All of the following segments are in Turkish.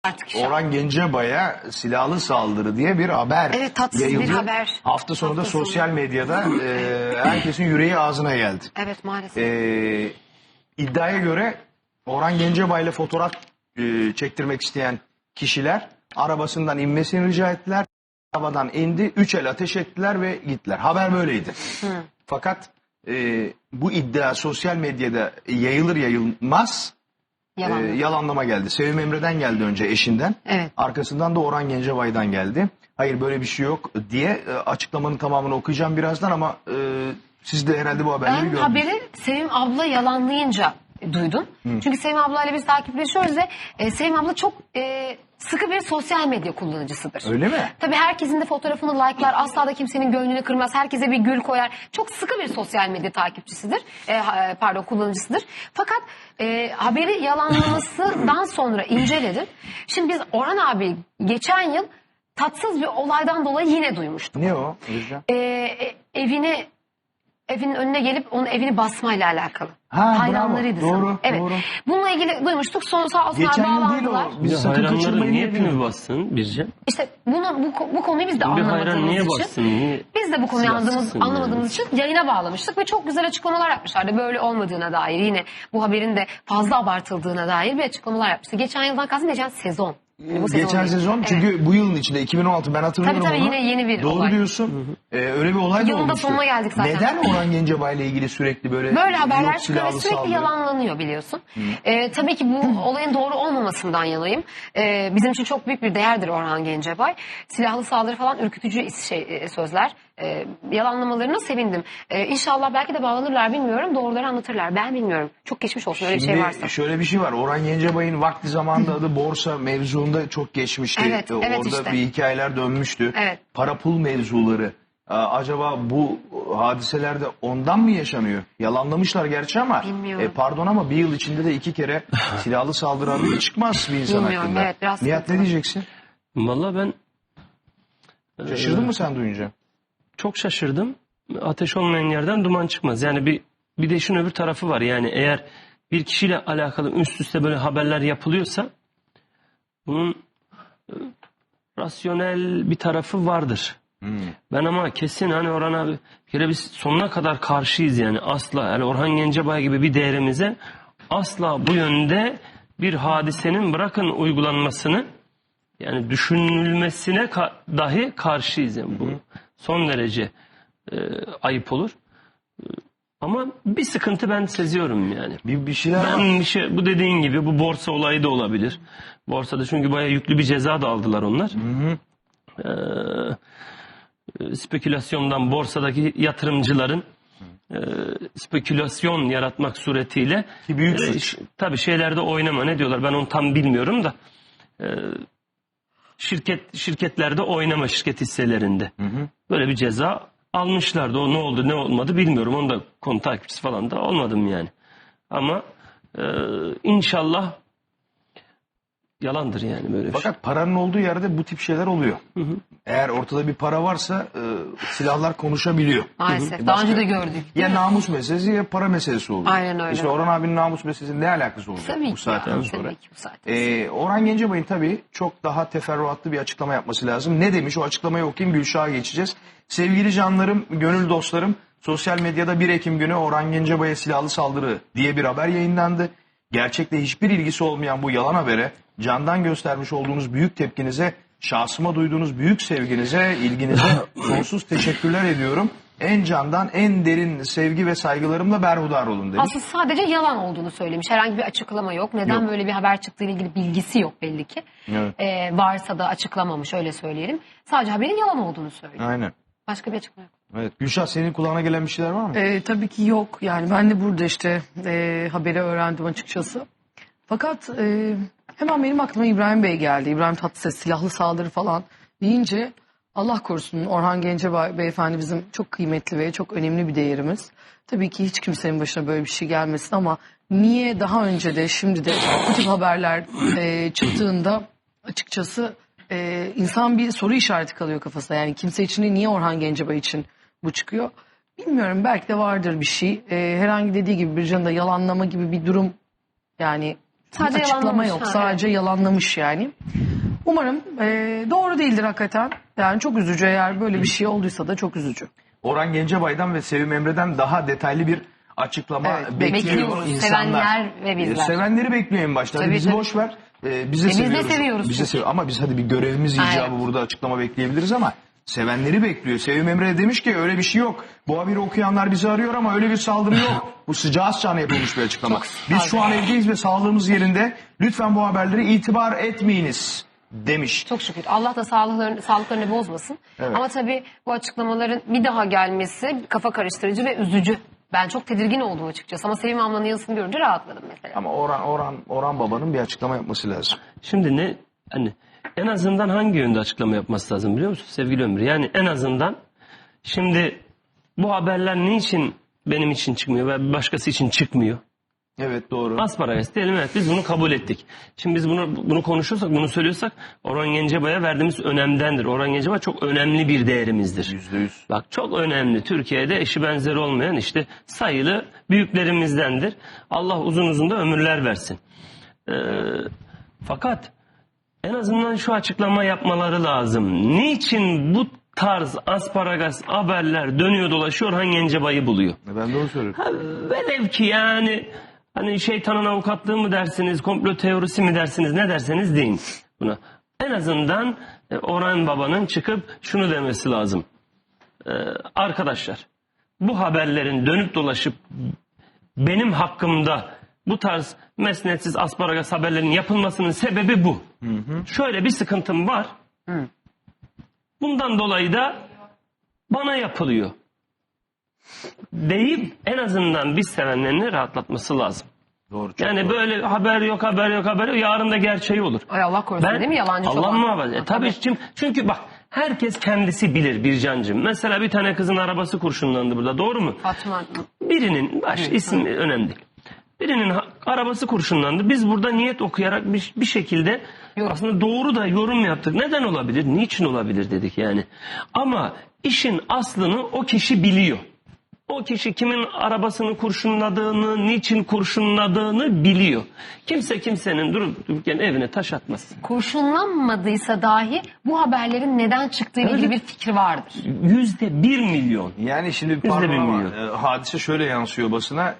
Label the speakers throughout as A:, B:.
A: Artık
B: Orhan Gencebay'a silahlı saldırı diye bir haber
A: Evet, tatsız
B: yayıldı.
A: bir haber.
B: Hafta sonunda
A: Hafta sonu.
B: sosyal medyada herkesin yüreği ağzına geldi.
A: Evet, maalesef.
B: İddiaya göre Orhan Gencebay'la fotoğraf çektirmek isteyen kişiler arabasından inmesini rica ettiler. Arabadan indi, 3 el ateş ettiler ve gittiler. Haber böyleydi. Fakat bu iddia sosyal medyada yayılır yayılmaz yalanlama geldi. Sevim Emre'den geldi önce, eşinden.
A: Evet.
B: Arkasından da Orhan Gencebay'dan geldi. Hayır, böyle bir şey yok diye açıklamanın tamamını okuyacağım birazdan ama siz de herhalde bu haberleri gördünüz.
A: Ben haberi Sevim abla yalanlayınca duydum. Çünkü Sevim ablayla biz takipleşiyoruz ve Sevim abla çok sıkı bir sosyal medya kullanıcısıdır.
B: Öyle mi?
A: Tabii herkesin de fotoğrafını like'lar, asla da kimsenin gönlünü kırmaz, herkese bir gül koyar. Çok sıkı bir sosyal medya takipçisidir, kullanıcısıdır. Fakat haberi yalanlamasından sonra inceledim. Şimdi biz Orhan abi geçen yıl tatsız bir olaydan dolayı yine duymuştuk.
B: Ne o?
A: Evinin önüne gelip onun evini basmayla alakalı.
B: Ha,
A: Hayranlarıydı
B: bravo.
A: sanırım.
B: Doğru,
A: Evet.
B: doğru.
A: Bununla ilgili duymuştuk. Sonra sağ olsunlar
B: Geçen yıl değil
A: bağlandılar.
B: o. Biz sakın
C: Hayranları
B: kaçırmayın
C: niye
B: diye
C: pimi bassın Birce?
A: İşte bu konuyu biz de
C: Bir hayran
A: anlamadığımız
C: niye
A: için.
C: bassın? Niye?
A: Biz de bu konuyu
C: silahsızsın
A: anlamadığımız için yayına bağlamıştık ve çok güzel açıklamalar yapmışlardı. Böyle olmadığına dair, yine bu haberin de fazla abartıldığına dair bir açıklamalar yapmıştı. Geçen yıldan kastım geçen sezon. Yani bu
B: Geçen
A: değil.
B: sezon
A: Evet.
B: çünkü bu yılın içinde 2016 ben hatırlıyorum
A: Tabii,
B: onu.
A: yine yeni bir
B: Doğru
A: olay.
B: diyorsun. Öyle bir olay da
A: Yılın da
B: olmuştu.
A: sonuna geldik zaten.
B: Neden Orhan Gencebay'la ilgili sürekli böyle
A: Haberler
B: yok
A: çıkıyor ve
B: silahlı
A: sürekli
B: saldırı?
A: yalanlanıyor, biliyorsun. Tabii ki bu olayın doğru olmamasından yanayım. Bizim için çok büyük bir değerdir Orhan Gencebay. Silahlı saldırı falan ürkütücü sözler. Yalanlamalarına sevindim. İnşallah belki de bağlanırlar, bilmiyorum. Doğruları anlatırlar. Ben bilmiyorum. Çok geçmiş olsun öyle bir şey varsa.
B: Şöyle bir şey var. Orhan Gencebay'ın vakti zamanında adı borsa mevzuunda çok geçmişti.
A: Evet,
B: Orada
A: işte.
B: bir hikayeler dönmüştü.
A: Evet.
B: Para pul mevzuları. Acaba bu hadiselerde ondan mı yaşanıyor? Yalanlamışlar gerçi ama.
A: Bilmiyorum.
B: Pardon ama bir yıl içinde de 2 kere silahlı saldırı haberi çıkmaz bir insan
A: Bilmiyorum,
B: hakkında.
A: evet, biraz
B: Nihat, ne
A: sıkıntılı.
B: diyeceksin?
C: Valla ben
B: Şaşırdın mı sen duyunca?
C: çok şaşırdım. Ateş olmayan yerden duman çıkmaz. Yani bir de işin öbür tarafı var. Yani eğer bir kişiyle alakalı üst üste böyle haberler yapılıyorsa bunun rasyonel bir tarafı vardır. Ben ama kesin hani Orhan abi bir kere biz sonuna kadar karşıyız yani asla. Yani Orhan Gencebay gibi bir değerimize asla bu yönde bir hadisenin bırakın uygulanmasını, yani düşünülmesine dahi karşıyız. Yani bu son derece ayıp olur. Ama bir sıkıntı ben seziyorum yani.
B: Bir şeyler var.
C: Bu dediğin gibi bu borsa olayı da olabilir. Borsada çünkü bayağı yüklü bir ceza da aldılar onlar. Spekülasyondan borsadaki yatırımcıların spekülasyon yaratmak suretiyle
B: Ki büyük suç.
C: tabii şeylerde oynama, ne diyorlar ben onu tam bilmiyorum da şirketlerde oynama, şirket hisselerinde böyle bir ceza almışlardı. O ne oldu ne olmadı bilmiyorum, onu da konu takipçisi falan da olmadım yani ama inşallah yalandır yani böyle bir şey.
B: Fakat paranın olduğu yerde bu tip şeyler oluyor. Eğer ortada bir para varsa silahlar konuşabiliyor.
A: Maalesef. Daha önce de gördük.
B: Ya namus meselesi ya para meselesi oluyor.
A: Aynen öyle.
B: İşte Orhan abinin namus meselesinin ne alakası olacak
A: Tabii
B: bu
A: ki
B: saatten
A: ya,
B: sonra?
A: tabii ki bu saatten
B: Orhan Gencebay'ın tabii çok daha teferruatlı bir açıklama yapması lazım. Ne demiş, o açıklamayı okuyayım, Gülşah'a geçeceğiz. Sevgili canlarım, gönül dostlarım, sosyal medyada 1 Ekim günü Orhan Gencebay'a silahlı saldırı diye bir haber yayınlandı. Gerçekle hiçbir ilgisi olmayan bu yalan habere candan göstermiş olduğunuz büyük tepkinize, şahsıma duyduğunuz büyük sevginize, ilginize sonsuz teşekkürler ediyorum. En candan, en derin sevgi ve saygılarımla berhudar olun demiş.
A: Aslında sadece yalan olduğunu söylemiş. Herhangi bir açıklama yok. Neden
B: Yok.
A: böyle bir haber çıktığıyla ilgili bilgisi yok belli ki.
B: Evet.
A: Varsa da açıklamamış, öyle söyleyelim. Sadece haberin yalan olduğunu söylüyor.
B: Aynen.
A: Başka bir açıklama yok.
B: Evet. Gülşah, senin kulağına gelen bir şeyler var mı?
D: Tabii ki yok. Yani ben de burada işte haberi öğrendim açıkçası. Fakat hemen benim aklıma İbrahim Bey geldi. İbrahim Tatlıses silahlı saldırı falan deyince Allah korusun, Orhan Gencebay beyefendi bizim çok kıymetli ve çok önemli bir değerimiz. Tabii ki hiç kimsenin başına böyle bir şey gelmesin ama niye daha önce de şimdi de bu tip haberler çıktığında açıkçası insan bir soru işareti kalıyor kafasında. Yani kimse için de niye Orhan Gencebay için bu çıkıyor? Bilmiyorum, belki de vardır bir şey. Herhangi dediği gibi Bircan'ın da yalanlama gibi bir durum, yani
A: Sadece
D: bir açıklama
A: yalanlamış.
D: yok.
A: Ha,
D: Sadece yalanlamış yani. Umarım doğru değildir hakikaten. Yani çok üzücü, eğer böyle bir şey olduysa da çok üzücü.
B: Orhan Gencebay'dan ve Sevim Emre'den daha detaylı bir açıklama
D: Evet,
B: bekliyor
A: bekliyoruz.
B: insanlar.
A: Sevenler ve bizler.
B: Sevenleri bekliyor en başta. Hadi
A: Tabii,
B: bizi
A: tabii.
B: boş ver. Biz de
A: Biz de
B: seviyoruz.
A: seviyoruz
B: Biz de
A: çünkü.
B: ama biz hadi bir görevimiz icabı
A: Aynen.
B: burada açıklama bekleyebiliriz ama sevenleri bekliyor. Sevim Emre demiş ki öyle bir şey yok. Bu haberi okuyanlar bizi arıyor ama öyle bir saldırı yok. Bu sıcağı sıcağına yapılmış bir açıklama. Biz şu an evdeyiz ve sağlığımız yerinde. Lütfen bu haberlere itibar etmeyiniz demiş.
A: Çok şükür. Allah da sağlıklarını bozmasın.
B: Evet.
A: Ama tabii bu açıklamaların bir daha gelmesi kafa karıştırıcı ve üzücü. Ben çok tedirgin oldum açıkçası. Ama Sevim ablanın yazısını görünce rahatladım mesela.
B: Ama Orhan babanın bir açıklama yapması lazım.
C: Şimdi ne hani en azından hangi yönde açıklama yapması lazım biliyor musun sevgili Ömür? Yani en azından şimdi bu haberler niçin benim için çıkmıyor ve başkası için çıkmıyor?
B: Evet, doğru.
C: Asparagas diyelim, evet, biz bunu kabul ettik. Şimdi biz bunu konuşuyorsak, bunu söylüyorsak Orhan Gencebay'a verdiğimiz önemdendir. Orhan Gencebay çok önemli bir değerimizdir.
B: %100.
C: Bak çok önemli. Türkiye'de eşi benzeri olmayan işte sayılı büyüklerimizdendir. Allah uzun uzun da ömürler versin. Fakat en azından şu açıklama yapmaları lazım. Niçin bu tarz asparagas haberler dönüyor dolaşıyor, Orhan Gencebay'ı buluyor?
B: Ben de onu söylüyorum.
C: Velev ki yani hani şeytanın avukatlığı mı dersiniz, komplo teorisi mi dersiniz, ne derseniz deyin buna. En azından Orhan Baba'nın çıkıp şunu demesi lazım. Arkadaşlar, bu haberlerin dönüp dolaşıp benim hakkımda bu tarz mesnetsiz asparagas haberlerin yapılmasının sebebi bu. Şöyle bir sıkıntım var. Bundan dolayı da bana yapılıyor deyip en azından biz sevenlerini rahatlatması lazım.
B: Doğru. Çok
C: Yani
B: doğru.
C: böyle haber yok. Yarın da gerçeği olur.
A: Ay Allah korusun değil mi? Yalancı
C: Allah
A: çoban.
C: muhafaza. Tabii çünkü bak herkes kendisi bilir Bircancığım. Mesela bir tane kızın arabası kurşunlandı burada, doğru mu?
A: Fatma.
C: Birinin ismi önemli değil. Birinin arabası kurşunlandı. Biz burada niyet okuyarak bir şekilde aslında doğru da yorum yaptık. Neden olabilir? Niçin olabilir dedik yani. Ama işin aslını o kişi biliyor. O kişi kimin arabasını kurşunladığını, niçin kurşunladığını biliyor. Kimse kimsenin durup dururken evine taş atmaz.
A: Kurşunlanmadıysa dahi bu haberlerin neden çıktığı ile ilgili bir fikri vardır.
C: %1 milyon.
B: Yani şimdi
C: Biz de
B: pardon ama
C: bilmiyoruz.
B: hadise şöyle yansıyor basına.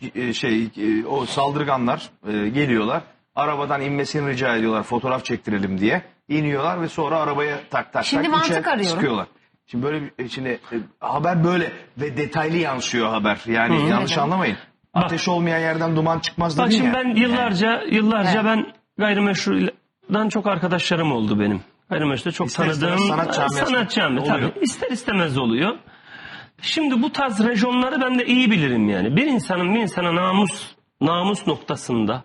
B: O saldırganlar geliyorlar. Arabadan inmesini rica ediyorlar, fotoğraf çektirelim diye. İniyorlar ve sonra arabaya tak
A: Şimdi mantık
B: içeri
A: arıyorum.
B: sıkıyorlar. Şimdi böyle haber böyle ve detaylı yansıyor haber. Yani yanlış anlamayın. Ateş olmayan yerden duman çıkmaz dedin
C: Bak şimdi
B: ya.
C: ben yıllarca
A: Evet.
C: ben gayrimeşrudan çok arkadaşlarım oldu benim. Gayrimeşruda çok
B: İster
C: tanıdığım
B: istemez sanat camiası
C: tabii. İster istemez oluyor. Şimdi bu tarz rejonları ben de iyi bilirim yani. Bir insana namus noktasında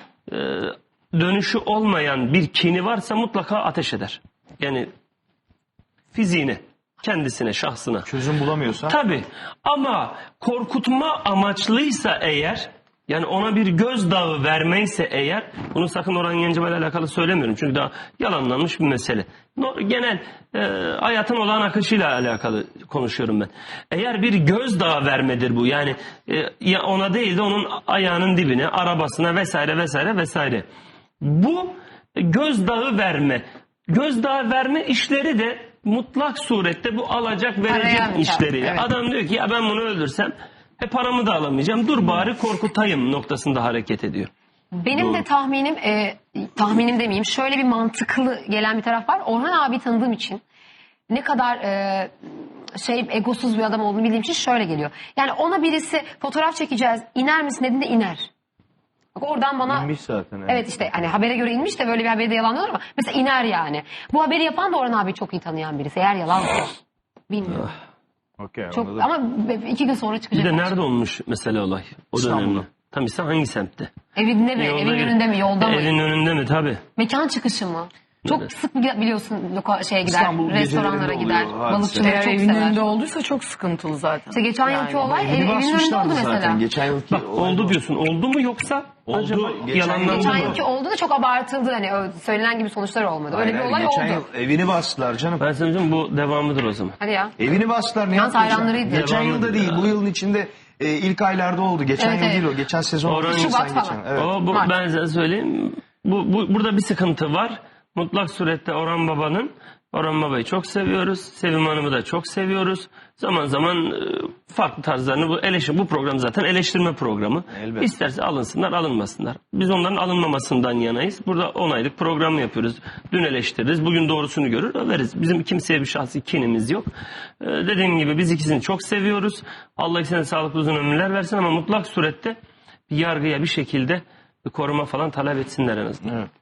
C: dönüşü olmayan bir kini varsa mutlaka ateş eder. Yani fiziğine, kendisine, şahsına.
B: Çözüm bulamıyorsa.
C: Tabii ama korkutma amaçlıysa eğer, yani ona bir gözdağı vermeyse eğer, bunu sakın Orhan Gencebay'la alakalı söylemiyorum çünkü daha yalanlanmış bir mesele. Genel hayatın olağan akışıyla alakalı konuşuyorum ben. Eğer bir gözdağı vermedir bu, yani ona değil de onun ayağının dibine, arabasına vesaire. Bu gözdağı verme işleri de mutlak surette bu alacak verecek
A: Arayan
C: işleri.
A: evet.
C: Adam diyor ki ya ben bunu öldürsem paramı da alamayacağım. Dur bari korkutayım noktasında hareket ediyor.
A: Benim de tahminim demeyeyim, şöyle bir mantıklı gelen bir taraf var. Orhan abi tanıdığım için ne kadar egosuz bir adam olduğunu bildiğim için şöyle geliyor. Yani ona birisi fotoğraf çekeceğiz, iner misin dediğinde iner. Bak oradan bana
B: İnmiş zaten.
A: evet işte hani habere göre inmiş de böyle bir haberi de yalanlıyorlar ama mesela iner yani. Bu haberi yapan da Orhan abi çok iyi tanıyan birisi. Eğer yalansa bilmiyorum.
B: Okay,
A: Çok
B: anladım.
A: ama 2 gün sonra
C: Bir
A: çıkacak.
C: de nerede olmuş mesela olay? O
B: İstanbul'da.
C: dönemde. Tam ise hangi semtte?
A: Evinde mi? Evin önünde mi? Yolda mı?
C: Evin önünde mi? Tabii.
A: Mekan çıkışı mı? Çok sık biliyorsun gider,
B: İstanbul
A: restoranlara
B: gecelerinde
A: gider,
B: oluyor hadise.
A: balıkçıları
D: Eğer
A: çok
D: evin
A: sever.
D: önünde olduysa çok sıkıntılı zaten.
A: İşte geçen yılki olay
B: Evini
A: evin önünde
B: basmışlardı
A: oldu mesela.
B: zaten. Geçen yılki
C: Bak oldu diyorsun. Oldu mu yoksa
B: Oldu.
C: acaba
B: Geçen
C: yalanlandı
A: Geçen
C: mı?
A: yılki oldu da çok abartıldı. Hani söylenen gibi sonuçlar olmadı. Öyle bir olay
B: geçen
A: oldu.
B: yıl evini bastılar canım.
C: Ben söyleyeyim bu devamıdır o zaman.
A: Hadi ya.
B: Evini bastılar, ne
A: Yalnız
B: yapacağım?
A: hayranlarıydı.
B: Geçen
C: Devamlı
B: yılda değil,
C: ya.
B: bu yılın içinde ilk aylarda oldu. Geçen
A: Evet,
B: yıl
A: evet.
B: değil o. Geçen sezon.
C: Şubat
B: Nisan
A: falan.
B: geçen. Evet.
C: O, ben size söyleyeyim. Burada bir sıkıntı var. Mutlak surette Orhan Baba'yı çok seviyoruz. Sevim Hanım'ı da çok seviyoruz. Zaman zaman farklı tarzlarını bu program zaten eleştirme programı.
B: Elbette.
C: İsterse alınsınlar, alınmasınlar. Biz onların alınmamasından yanayız. Burada 10 aylık programı yapıyoruz. Dün eleştiririz, bugün doğrusunu görür, överiz. Bizim kimseye bir şahsi kinimiz yok. Dediğim gibi biz ikisini çok seviyoruz. Allah ikisine sağlıklı uzun ömürler versin ama mutlak surette bir yargıya bir şekilde bir koruma falan talep etsinler en azından.
B: Evet.